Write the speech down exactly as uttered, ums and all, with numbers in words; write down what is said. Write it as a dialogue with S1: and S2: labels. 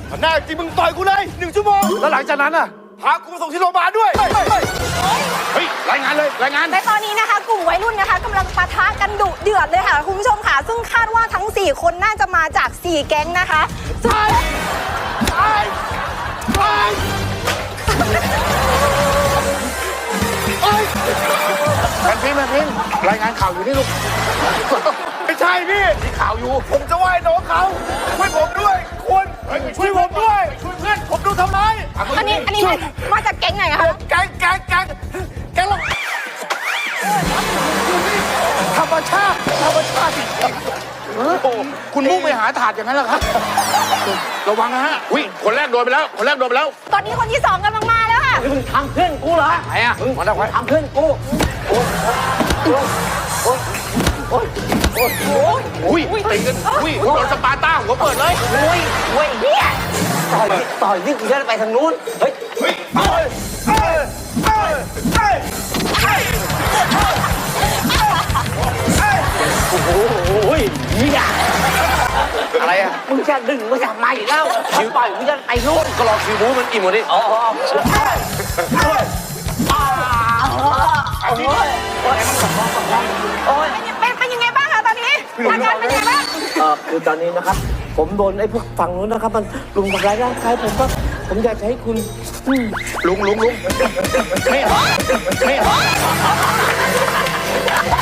S1: แน่จริงมึงต่อยกูเลยหนึ่งชั่วโมงแล้วหลังจากนั้นอ่ะพากูมาส่งที่โรงพยาบาลด้วยเฮ้ยรายงานเลยรายงาน
S2: ในตอนนี้นะคะกลุ่มวัยรุ่นนะคะกำลังปะทะกันดุเดือดเลยค่ะคุณผู้ชมค่ะซึ่งคาดว่าทั้งสี่คนน่าจะมาจากสี่แก๊งนะคะ
S1: ไปไปไปแมนพิมแมนพิมรายงานข่าวอยู่นี่ลูกไม่ใช่พี่มีข่าวอยู่ผมจะไหว้น้องเขาช่วยผมด้วยคุณช่วยผมด้วยช่วยเพื่อนผมดูทำไม
S2: อันนี้อันนี้มาจากแก๊งไหนคะ
S1: แก๊งแก๊งแก๊งแก๊งเราธรรมชาติธรรมชาติจริงๆคุณมุ่งไปหาถาดอย่างนั้นเหรอครับระวังนะฮะอุ้ยคนแรกโดนไปแล้วคนแรกโดนไปแล้ว
S2: ตอนนี้คนที่สองกำลังมาแล้วค่ะ
S3: มึงทำเพื่อนกูเหรอ
S1: ไหนอ่ะ
S3: มึงทำเพื่อนกูโอ้ยโอ้ยโอ้ยโอ้ยโอ้ย
S1: อุ้ยตีกันอุ้ยโดนสปาร์ต้าหัวเปิดเลย
S3: โอ้ยโอ้ยเนี่ยต่อยต่อยนี่กูจะไปทางนู้นเฮ้ย
S1: เฮ้ยเอ้ยเอ้ยเอ้ยเอ้ยเอ้ย
S3: โอ้โหโอ้ยเนี่ย
S1: อะไรอ่ะ
S3: มึงจะดึงมึงจะมาอีกแล้วคิวต่อยมึงจะไปนู้น
S1: ก็รอคิวบู๊มันอิ่มหมดดิ
S3: อ๋อโอ้ยโอ้ย
S2: เป็นเป็นยังไงบ้างคะตอนนี้อาการเป็นยังไงบ้าง
S3: เออคือตอนนี้นะครับผมโดนไอ้พวกฝั่งนู้นนะครับมันลุมทำร้ายร่างกายผมก็ผมอยากจะให้คุณ
S1: ลุงลุงลุงไม่ไม่